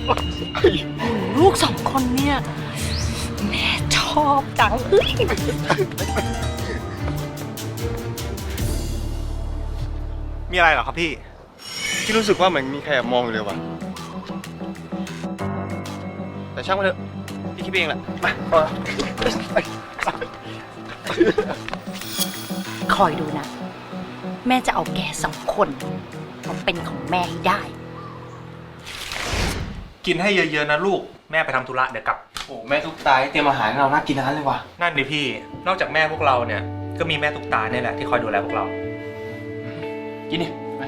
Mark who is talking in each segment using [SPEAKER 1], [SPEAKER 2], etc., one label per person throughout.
[SPEAKER 1] ลูกสองคนเนี่ยแม่ชอบจังเฮ้ย
[SPEAKER 2] มีอะไรเหรอครับพี่
[SPEAKER 3] ที่รู้สึกว่าเหมือนมีใครแอบมองอยู่เลยว่ะแต่ช่างมันเถอะพี่คิดเองแหละมา
[SPEAKER 1] คอยดูนะ แม่จะเอาแกสองคนมาเป็นของแม่ให้ได้
[SPEAKER 2] กินให้เยอะๆนะลูกแม่ไปทำธุระเดี๋ยวกลับ
[SPEAKER 3] โอ้แม่ทุกตายเตรียมอาหารให้เราน่ากินทั้งนั้นเลยว่ะ
[SPEAKER 2] นั่นดิพี่นอกจากแม่พวกเราเนี่ยก็มีแม่ตุ๊กตาเนี่ยแหละที่คอยดูแลพวกเรา
[SPEAKER 3] กินดิมา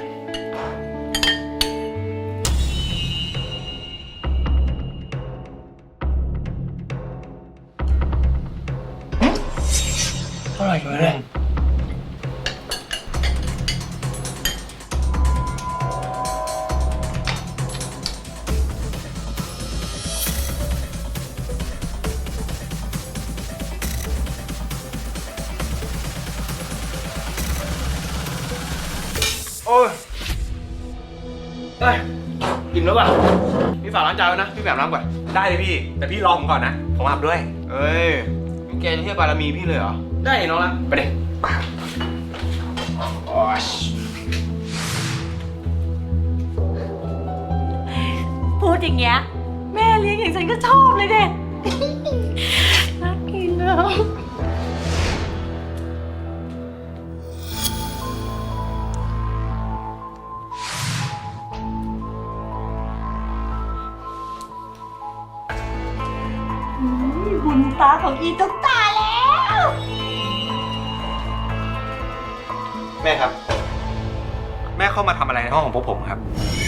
[SPEAKER 3] อร่อยอยู่เลย โอ้ยอิ่มแล้วป่ะพี่ฝากล้างจานไว้นะ พี่แบบล้างก่อน
[SPEAKER 2] ได้เลยพี่แต่พี่รอผมก่อนนะผมอาบด้วย
[SPEAKER 3] เอ้ยมึงแกจะเทียบบารมีพี่เลยเหรอ ได้น้องละไปเด็โอ้ย
[SPEAKER 1] พูดอย่างเงี้ยแม่เลี้ยงอย่างฉันก็ชอบเลยเด็น่ากินนะบุญตาของอีตุ๊กตาแล้ว
[SPEAKER 3] แม่ครับ
[SPEAKER 2] แม่เข้ามาทำอะไรในห้องของพวกผมครับ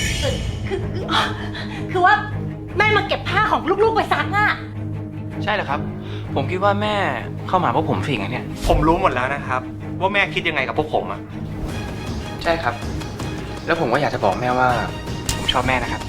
[SPEAKER 1] คือว่าแม่มาเก็บผ้าของลูกๆไปซักอ่ะ
[SPEAKER 3] ใช่เหรอครับ ผมคิดว่าแม่เข้ามาเพราะผมสิงเนี่ย
[SPEAKER 2] ผมรู้หมดแล้วนะครับว่าแม่คิดยังไงกับพวกผมอะ
[SPEAKER 3] ใช่ครับ แล้วผมก็อยากจะบอกแม่ว่าผมชอบแม่นะครับ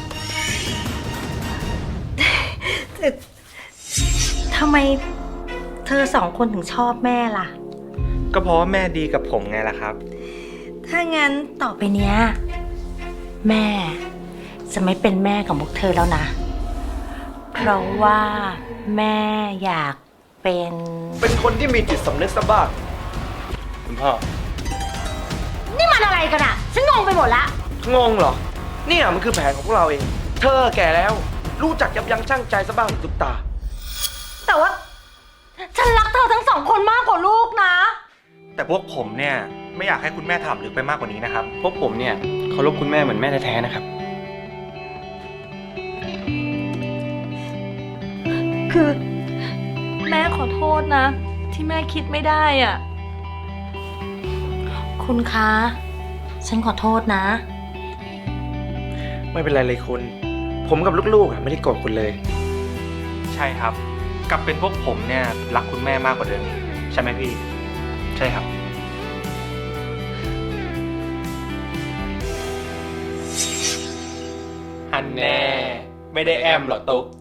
[SPEAKER 1] ทำไมเธอสองคนถึงชอบแม่ล่ะ
[SPEAKER 2] ก็เพราะว่าแม่ดีกับผมไงล่ะครับ
[SPEAKER 1] ถ้างั้นต่อไปเนี้ยแม่จะไม่เป็นแม่ของพวกเธอแล้วนะ เพราะว่าแม่อยากเป็น
[SPEAKER 4] เป็นคนที่มีจิตสำนึกซะบ้าง
[SPEAKER 3] คุณพ่อ
[SPEAKER 1] นี่มันอะไรกันอะฉันงงไปหมดละ
[SPEAKER 4] งงเหรอ เนี่ยมันคือแผนของพวกเราเอง เธอแก่แล้ว รู้จักยับยั้งชั่งใจซะบ้างตุ๊กตา
[SPEAKER 1] แต่ว่าฉันรักเธอทั้งสองคนมากกว่าลูกนะ
[SPEAKER 2] แต่พวกผมเนี่ยไม่อยากให้คุณแม่ถามลึกไปมากกว่านี้นะครับ
[SPEAKER 3] พวกผมเนี่ยเคารพคุณแม่เหมือนแม่แท้ๆนะครับ
[SPEAKER 1] คือแม่ขอโทษนะ ที่แม่คิดไม่ได้อ่ะ คุณคะ ฉันขอโทษนะ
[SPEAKER 4] ไม่เป็นไรเลยคุณ ผมกับลูกๆไม่ได้โกรธคุณเลย
[SPEAKER 2] ใช่ครับกลับเป็นพวกผมเนี่ยรักคุณแม่มากกว่าเดิมใช่ไหมพี่
[SPEAKER 3] ใช่ครับ
[SPEAKER 2] ฮันแน่ไม่ได้แอมหรอตุ๊ก